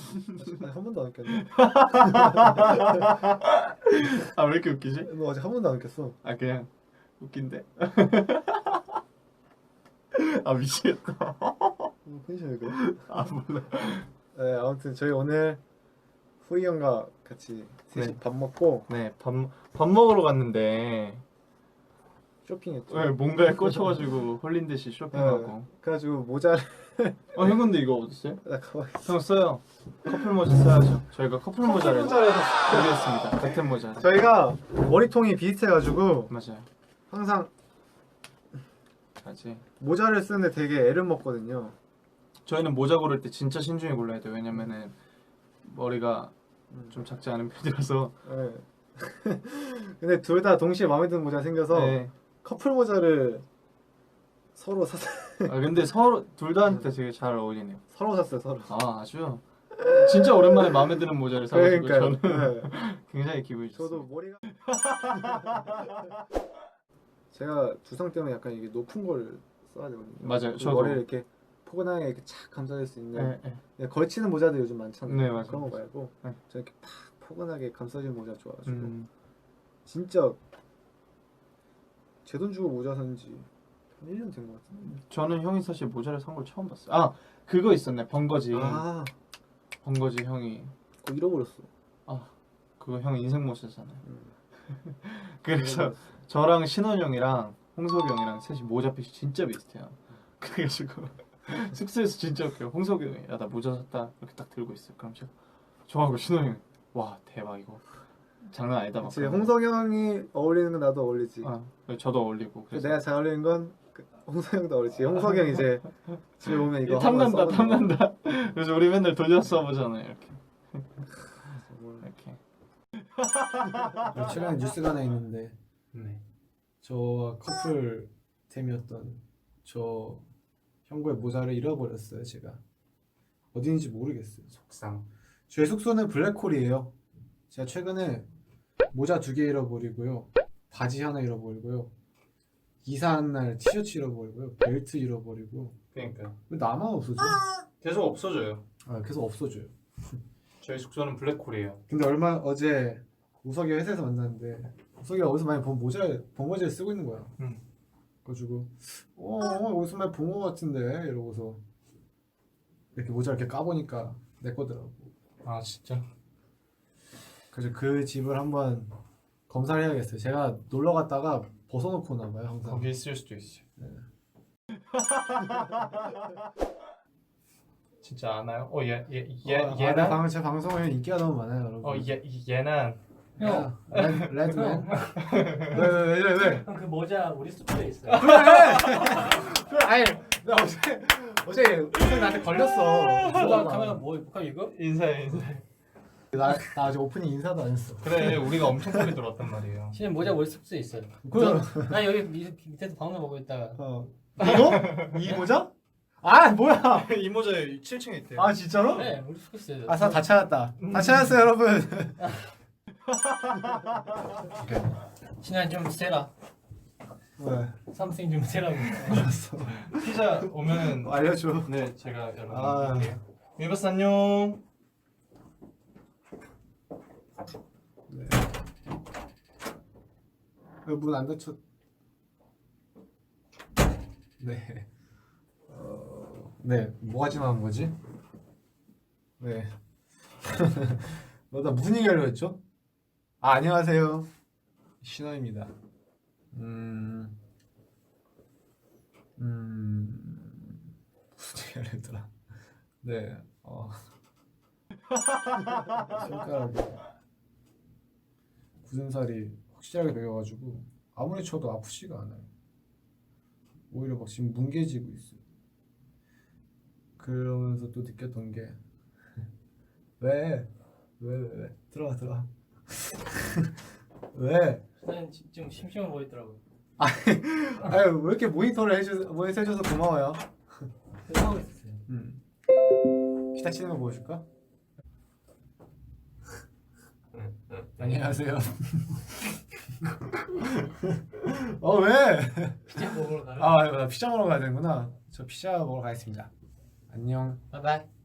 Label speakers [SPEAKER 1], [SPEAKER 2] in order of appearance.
[SPEAKER 1] 아니, 한 번도 안 웃겼네.
[SPEAKER 2] 아 왜 이렇게 웃기지?
[SPEAKER 1] 너 아직 한 번도 안 웃겼어.
[SPEAKER 2] 아 그냥 웃긴데? 아 미치겠다.
[SPEAKER 1] 텐션 왜 그래?
[SPEAKER 2] 아 몰라.
[SPEAKER 1] 네, 아무튼 저희 오늘 후이 형과 같이 셋이
[SPEAKER 2] 네.
[SPEAKER 1] 밥 먹고
[SPEAKER 2] 네, 밥 먹으러 갔는데
[SPEAKER 1] 쇼핑했죠.
[SPEAKER 2] 왜 뭔가에 꽂혀가지고 홀린 듯이 쇼핑하고.
[SPEAKER 1] 네, 그래가지고 모자를
[SPEAKER 2] 형 근데 이거 어딨어요?
[SPEAKER 1] 나 가방 있어.
[SPEAKER 2] 형 써요. 커플 모자 써야죠. 저희가 커플 모자를
[SPEAKER 1] 모자를
[SPEAKER 2] 준비했습니다. 같은 모자.
[SPEAKER 1] 저희가 머리통이 비슷해가지고
[SPEAKER 2] 맞아요.
[SPEAKER 1] 항상
[SPEAKER 2] 맞지.
[SPEAKER 1] 모자를 쓰는데 되게 애를 먹거든요.
[SPEAKER 2] 저희는 모자 고를 때 진짜 신중히 골라야 돼요. 왜냐면은 머리가 좀 작지 않은 편이라서.
[SPEAKER 1] 네. 근데 둘 다 동시에 마음에 드는 모자 생겨서
[SPEAKER 2] 네.
[SPEAKER 1] 커플 모자를 서로 샀어요.
[SPEAKER 2] 아 근데 서로 둘 다한테 되게 잘 어울리네요.
[SPEAKER 1] 서로 샀어요, 서로.
[SPEAKER 2] 아 아주 진짜 오랜만에 마음에 드는 모자를 사가지고
[SPEAKER 1] 그러니까요.
[SPEAKER 2] 저는
[SPEAKER 1] 네.
[SPEAKER 2] 굉장히 기분이 좋습니다.
[SPEAKER 1] 저도 머리가 제가 두상 때문에 약간 이게 높은 걸 써야 되거든요.
[SPEAKER 2] 맞아요.
[SPEAKER 1] 그
[SPEAKER 2] 저도.
[SPEAKER 1] 머리를 이렇게 포근하게 이렇게 착 감싸줄 수 있는
[SPEAKER 2] 네, 네.
[SPEAKER 1] 그냥 걸치는 모자도 요즘 많잖아요.
[SPEAKER 2] 네, 맞아요.
[SPEAKER 1] 그런 거 말고
[SPEAKER 2] 네.
[SPEAKER 1] 저 이렇게 팍 포근하게 감싸주는 모자 좋아가지고
[SPEAKER 2] 진짜
[SPEAKER 1] 제 돈 주고 모자 산지 한 1년 된 것 같은데.
[SPEAKER 2] 저는 형이 사실 모자를 산 걸 처음 봤어요. 아 그거 있었네. 번거지.
[SPEAKER 1] 아,
[SPEAKER 2] 번거지 형이.
[SPEAKER 1] 그거 잃어버렸어.
[SPEAKER 2] 그거 형 인생 모자잖아요.
[SPEAKER 1] 음.
[SPEAKER 2] 그래서
[SPEAKER 1] 잃어버렸어.
[SPEAKER 2] 저랑 신원 형이랑 홍석이 형이랑 셋이 모자핏이 진짜 비슷해요. 그래가지고 숙소에서 진짜 웃겨요. 홍석이 형이 야 나 모자 샀다 이렇게 딱 들고 있어요. 그럼 제가 저하고 신원 형이 와 대박 이거 장난 아니다 막.
[SPEAKER 1] 제 홍석이 형이 어울리는 건 나도 어울리지.
[SPEAKER 2] 저도 어울리고. 그래서
[SPEAKER 1] 내가 잘 어울리는 건 홍석이 형도 어울리지. 홍석이 형 이제 집에 오면 이거
[SPEAKER 2] 탐난다
[SPEAKER 1] 한번 써보는 거.
[SPEAKER 2] 탐난다. 그래서 우리 맨날 돌려 써보잖아요 이렇게. 이렇게.
[SPEAKER 3] 최근에 뉴스가 하나 있는데
[SPEAKER 2] 네.
[SPEAKER 3] 저와 커플템이었던 저 형구의 모자를 잃어버렸어요. 제가 어딘지 모르겠어요.
[SPEAKER 2] 속상.
[SPEAKER 3] 저희 숙소는 블랙홀이에요. 제가 최근에 모자 2개 잃어버리고요, 바지 하나 잃어버리고요, 이사한 날 티셔츠 잃어버리고요, 벨트 잃어버리고.
[SPEAKER 2] 그러니까요.
[SPEAKER 3] 왜 나만 없어져?
[SPEAKER 2] 계속 없어져요.
[SPEAKER 3] 계속 없어져요.
[SPEAKER 2] 저희 숙소는 블랙홀이에요.
[SPEAKER 3] 근데 어제 우석이 회사에서 만났는데 우석이가 어디서 많이 본 모자를 쓰고 있는 거야. 그래가지고 어디서 많이 본 거 같은데 이러고서 이렇게 모자 이렇게 까보니까 내 거더라고.
[SPEAKER 2] 아 진짜?
[SPEAKER 3] 그래서 그 집을 한번 검사를 해야겠어요. 제가 놀러 갔다가 벗어놓고 오나 봐요 항상.
[SPEAKER 2] 거기 있을 수도 있어요.
[SPEAKER 3] 네.
[SPEAKER 2] 진짜 아나요?
[SPEAKER 3] 얘는 제 방송에 인기가 너무 많아요, 여러분.
[SPEAKER 2] 얘는
[SPEAKER 3] 형 레드맨. 왜?
[SPEAKER 4] 형 그 모자 우리 숙소에 있어요.
[SPEAKER 3] 그래, 아니 나 어제 나한테 걸렸어.
[SPEAKER 4] 카메라 뭐 볼까 이거?
[SPEAKER 2] 인사해.
[SPEAKER 3] 나 아직 오프닝 인사도 안 했어.
[SPEAKER 2] 그래 우리가 엄청 빨리 들어왔단 말이에요.
[SPEAKER 4] 지금 모자 우리 숙소에 있어요.
[SPEAKER 3] 그럼
[SPEAKER 4] 나 여기 밑에서 방송 보고 있다가
[SPEAKER 3] 이거? 이 모자? 아 뭐야?
[SPEAKER 2] 이 모자 7층에 있대요.
[SPEAKER 3] 아 진짜로?
[SPEAKER 4] 네 우리 숙소에 있어요.
[SPEAKER 3] 다 찾았다. 다 찾았어요, 여러분.
[SPEAKER 4] 신한 좀 세라.
[SPEAKER 3] 왜?
[SPEAKER 4] 삼성 좀 세라고.
[SPEAKER 3] 알았어.
[SPEAKER 2] 피자 오면은
[SPEAKER 3] 알려줘.
[SPEAKER 2] 네 제가 여러분
[SPEAKER 3] 아.
[SPEAKER 2] 드릴게요. 위버스 안녕.
[SPEAKER 3] 네. 문 안 닫혔. 네. 네. 뭐가 지나간 거지? 네. 나 무슨 얘기하려고 했죠? 안녕하세요. 신호입니다. 무슨 얘기하려 했더라. 네. 손가락에 굳은 살이 확실하게 배겨가지고 아무리 쳐도 아프지가 않아요. 오히려 막 지금 뭉개지고 있어요. 그러면서 또 느꼈던 게 왜 들어와 왜?
[SPEAKER 4] 신한 좀 심심해 보이더라고.
[SPEAKER 3] 아유 왜 이렇게 모니터 해줘서 고마워요.
[SPEAKER 4] 하고 있었어요.
[SPEAKER 3] 기타 치는 거 보여줄까? 안녕하세요. 왜?
[SPEAKER 4] 피자 먹으러 가요.
[SPEAKER 3] 나 피자 먹으러 가야 되는구나. 저 피자 먹으러 가겠습니다. 안녕.
[SPEAKER 4] 바이바이.